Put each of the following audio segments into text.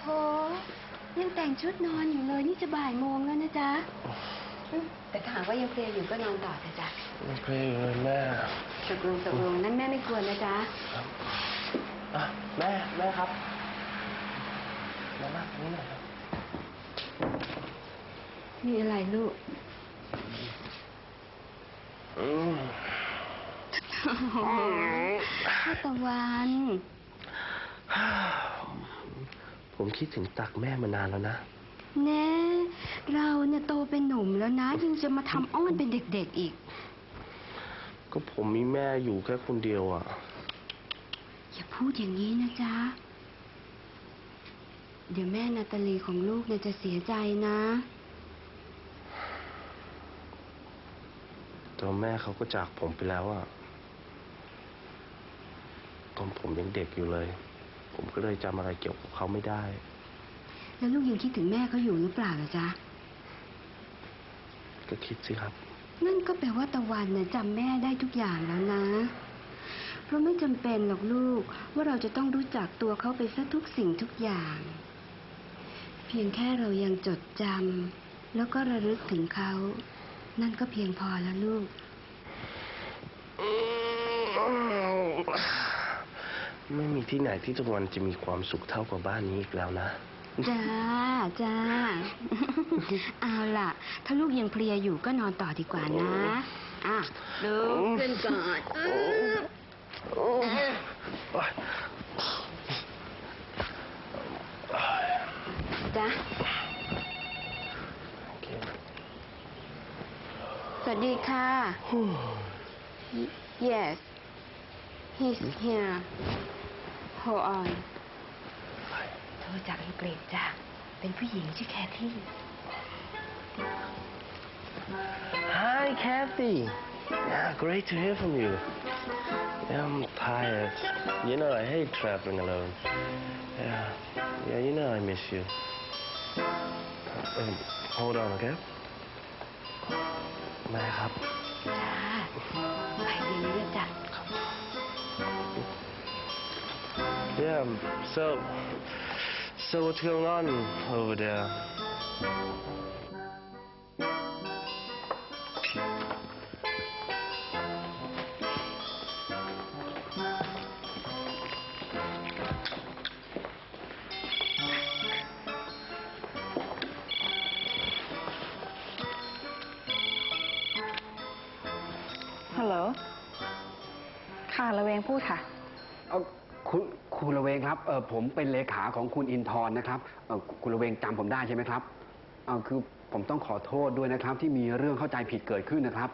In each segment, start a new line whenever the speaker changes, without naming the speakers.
โหยังแต่งชุดนอนอยู่เลยนี่จะบ่ายโมงแล้วนะจ๊ะแต่ถามว่ายังเพลียอยู่ก็นอนต่อเถอะจ้ะ
ยังเพลียอยู่เลยแม่
ตกลงนั่นแม่ไม่กลัวนะจ๊ะ
แม่ครับมานั่งตรงนี้หน่อยครับ
มีอะไรลูกพ่อตะวัน
ผมคิดถึงตักแม่มานานแล้วนะ
แน่เราเนี่ยโตเป็นหนุ่มแล้วนะยังจะมาทำอ้อนเป็นเด็กๆอีก
ก็ผมมีแม่อยู่แค่คนเดียวอ่ะ
อย่าพูดอย่างนี้นะจ๊ะเดี๋ยวแม่นาตาลีของลูกเนี่ยจะเสียใจนะ
ตัวแม่เขาก็จากผมไปแล้วอ่ะตอนผมยังเด็กอยู่เลยผมก็เลยจำอะไรเกี่ยวกับเขาไม่ได้
แล้วลูกยังคิดถึงแม่เขาอยู่หรือเปล่าล่ะจ๊ะ
ก็คิดสิครับ
นั่นก็แปลว่าตะวันเนี่ยจำแม่ได้ทุกอย่างแล้วนะเพราะไม่จำเป็นหรอกลูกว่าเราจะต้องรู้จักตัวเขาไปซะทุกสิ่งทุกอย่างเพียงแค่เรายังจดจำแล้วก็ระลึกถึงเขานั่นก็เพียงพอแล้วลูก
ไม่มีที่ไหนที่ตะวันจะมีความสุขเท่ากับบ้านนี้อีกแล้วนะ
จ้าเอาล่ะถ้าลูกยังเพลียอยู่ก็นอนต่อดีกว่านะลุกขึ้นก่อนจ้าสวัสดีค่ะ Yes he's here hold on โทรจากอังกฤษจ้ะเป็นผู้หญิงชื่อแคทตี้
Hi Kathy yeah great to hear from you I'm tired you know I hate traveling alone yeah you know I miss you hold on okay แม่ครับ
จ้าไปเดี๋ยวนี้จ้ะ
Yeah, so what's going on over there?
Hello ค่ะระเวงพูดค่ะ
คุณระเวงครับผมเป็นเลขาของคุณอินทร์นะครับคุณระเวงจำผมได้ใช่ไหมครับคือผมต้องขอโทษด้วยนะครับที่มีเรื่องเข้าใจผิดเกิดขึ้นนะครับ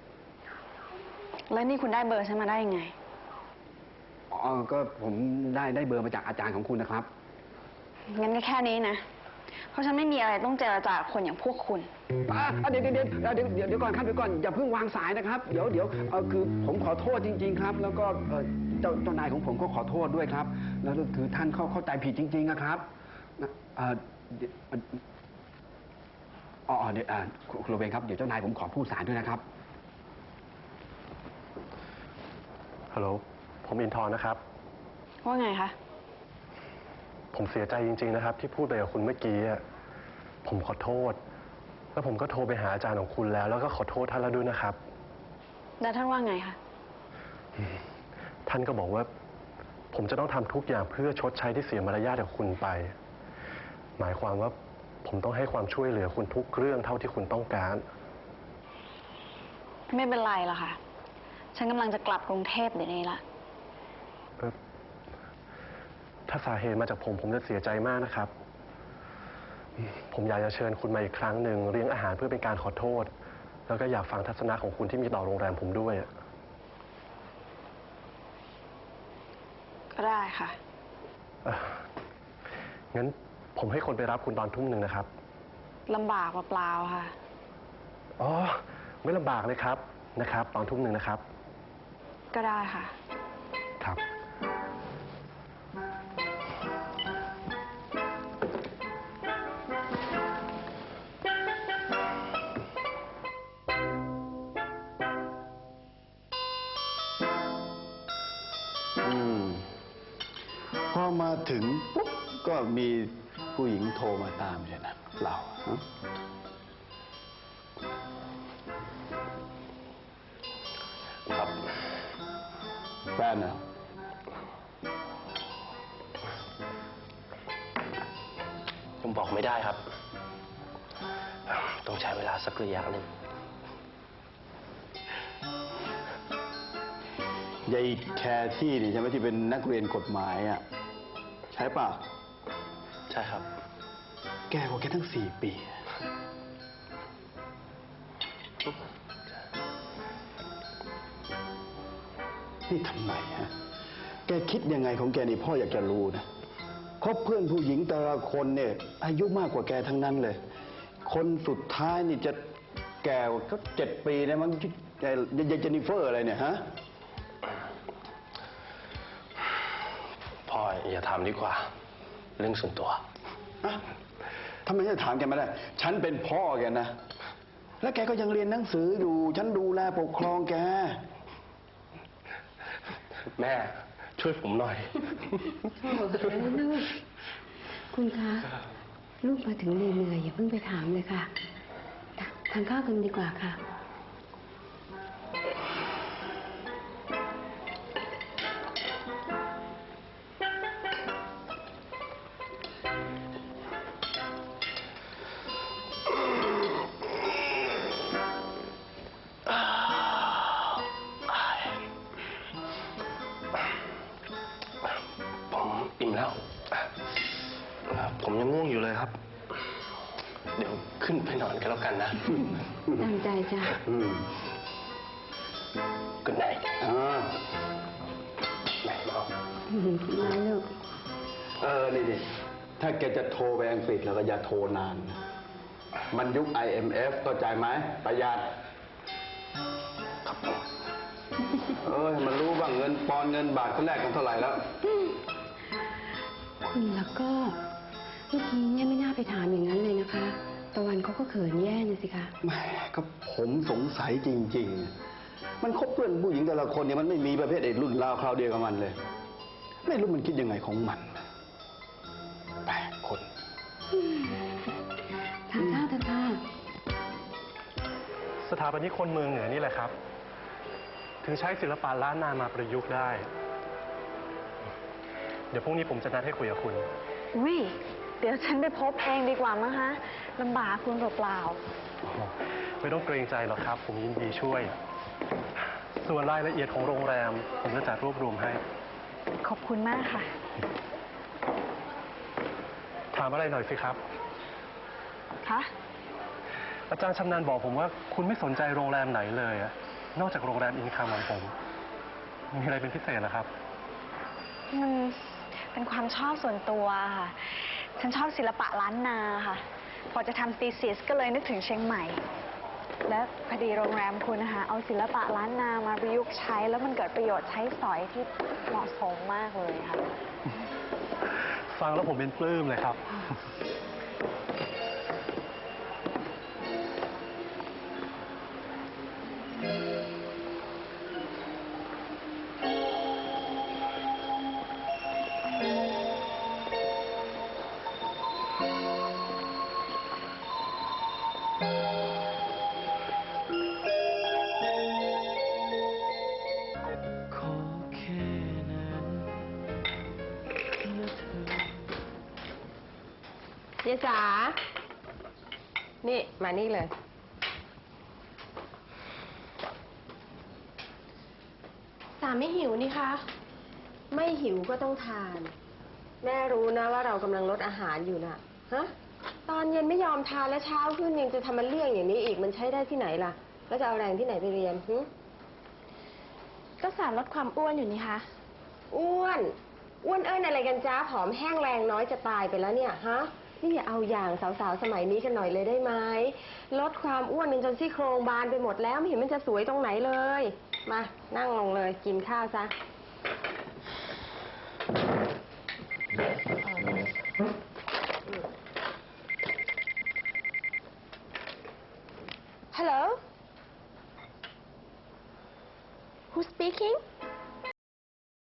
แล้วนี่คุณได้เบอร์ฉันมาได้ยังไง
ก็ผมได้เบอร์มาจากอาจารย์ของคุณนะครับ
งั้นก็แค่นี้นะเพราะฉันไม่มีอะไรต้องเจรจากับคนอย่างพวกคุณ
เดี๋ยวก่อนครับเดี๋ยวก่อนอย่าเพิ่งวางสายนะครับเดี๋ยวคือผมขอโทษจริงๆครับแล้วก็เจ้านายของผมก็ขอโทษด้วยครับแล้วคือท่านเข้าใจผิดจริงๆนะครับเดี๋ยวคุณโรเบนครับเดี๋ยวเจ้านายผมขอพูดสารด้วยนะครับ
ฮัลโหลผมอินทร์นะครับ
ว่าไงคะ
ผมเสียใจจริงๆนะครับที่พูดไปกับคุณเมื่อกี้ผมขอโทษแล้วผมก็โทรไปหาอาจารย์ของคุณแล้วก็ขอโทษท่านแล้วด้วยนะครับ
แล้วท่านว่าไงคะ
ท่านก็บอกว่าผมจะต้องทำทุกอย่างเพื่อชดใช้ที่เสียมารยาทกับคุณไปหมายความว่าผมต้องให้ความช่วยเหลือคุณทุกเรื่องเท่าที่คุณต้องการ
ไม่เป็นไรหรอกค่ะฉันกำลังจะกลับกรุงเทพเดี๋ยวนี้ละ
ถ้าสาเหตุมาจากผมจะเสียใจมากนะครับผมอยากจะเชิญคุณมาอีกครั้งหนึ่งเลี้ยงอาหารเพื่อเป็นการขอโทษแล้วก็อยากฟังทัศนะของคุณที่มีต่อโรงแรมผมด้วย
ก็ได้ค่ะ
งั้นผมให้คนไปรับคุณตอน 19:00 น.นะครับ
ลำบากเปล่าๆค่ะ
ไม่ลำบากเลยครับตอน 19:00 น.นะครับ
ก็ได้ค่ะ
ครับ
พอมาถึงปุ๊บก็มี
ผู้หญิงโทรมาตามเนี่ยนะเราฮะ
ครับ
แฟนเหรอ
ผมบอกไม่ได้ครับ ต้องใช้เวลาสักระยะหนึ่ง
ยายแคที่นี่ใช่ไหมที่เป็นนักเรียนกฎหมายอ่ะใช่ป่ะ
ใช่ครับ
แกกว่าแกตั้ง4 ปีนี่ทำไมฮะแกคิดยังไงของแกนี่พ่ออยากจะรู้นะคบเพื่อนผู้หญิงแต่ละคนเนี่ยอายุมากกว่าแกทั้งนั้นเลย คนสุดท้ายนี่จะแก่กว่าก็7 ปีนะมั้งยายเจนนิเฟอร์อะไรเนี่ยฮะ
พ่ออย่าถามดีกว่า เรื่องส่วนตัว
อะทำไมจะถามแกไม่ได้ ฉันเป็นพ่อแกนะ แล้วแกก็ยังเรียนหนังสืออยู่ ฉันดูแลปกครองแก
แม่ช่วยผมหน่อย
ลูกคุณคะ ลูกมาถึงเหนื่อยๆอย่าเพิ่งไปถามเลยค่ะ ทานข้าวกันดีกว่าค่ะ
ผมอิ่มแล้ว ผมยังง่วงอยู่เลยครับ เดี๋ยวขึ้นไปนอนกันแล้วกันนะ
ตามใจจ้ะ
Good night ไหนมอง
มาลูก
นี่ถ้าแกจะโทรไปอังกฤษแล้วก็อย่าโทรนาน มันยุค IMF เข้าใจไหม ประหยัด
ครับผม
มันรู้ว่าเงินปอนด์เงินบาทเขาแลกกันเท่าไหร่แล้ว
คุณแล้วก็เมื่อกี้เนี่ยไม่น่าไปถามอย่างนั้นเลยนะคะ ตะวันเขาก็เขินแย่นะสิคะ
แหมก็ผมสงสัยจริงๆ มันคบเพื่อนผู้หญิงแต่ละคนเนี่ยมันไม่มีประเภทไอ้รุ่นราวคราวเดียวกับมันเลย ไม่รู้มันคิดยังไงของมันแปลกคน
ทานข้าวเถอะค่ะ
สถาปนิกคนเมืองเหนือนี่แหละครับ ถึงใช้ศิลปะล้านนามาประยุกต์ได้ เดี๋ยวพรุ่งนี้ผมจะนัดให้คุยกับคุณ
อุ้ยเดี๋ยวฉันไปพบเองดีกว่ามั้งคะลำบากคุณเปล่า
ไม่ต้องเกรงใจหรอกครับ ผมยินดีช่วย ส่วนรายละเอียดของโรงแรม ผมจะจัดรวบรวมให้
ๆขอบคุณมากค่ะ
ถามอะไรหน่อยสิครับ
คะ
อาจารย์ชำนาญบอกผมว่าคุณไม่สนใจโรงแรมไหนเลยอะนอกจากโรงแรมอินคัมของผม มีอะไรเป็นพิเศษเหรอครับ
มันเป็นความชอบส่วนตัวค่ะ ฉันชอบศิลปะล้านนาค่ะ พอจะทำ thesis ก็เลยนึกถึงเชียงใหม่ และพอดีโรงแรมคุณนะคะเอาศิลปะล้านนามาประยุกต์ใช้ แล้วมันเกิดประโยชน์ใช้สอยที่เหมาะสมมากเลยค่ะ
ฟังแล้วผมเป็นปลื้มเลยครับ
ยายจ๋า นี่มานี่เลย สาไม่หิวนี่คะ ไม่หิวก็ต้องทาน แม่รู้นะว่าเรากำลังลดอาหารอยู่น่ะ ฮะ ตอนเย็นไม่ยอมทานแล้วเช้าขึ้นยังจะทำมันเลี่ยงอย่างนี้อีก มันใช้ได้ที่ไหนล่ะ แล้วจะเอาแรงที่ไหนไปเรียนหึ
ก็สารลดความอ้วนอยู่นี่คะ
อ้วน อ้วนเอ้ยอะไรกันจ้าผอมแห้งแรงน้อยจะตายไปแล้วเนี่ย ฮะ นี่อย่าเอาอย่างสาวๆสมัยนี้กันหน่อยเลยได้ไหม ลดความอ้วนจนซี่โครงบานไปหมดแล้วไม่เห็นมันจะสวยตรงไหนเลย มานั่งลงเลยกินข้าวซะ
Hello Who's speaking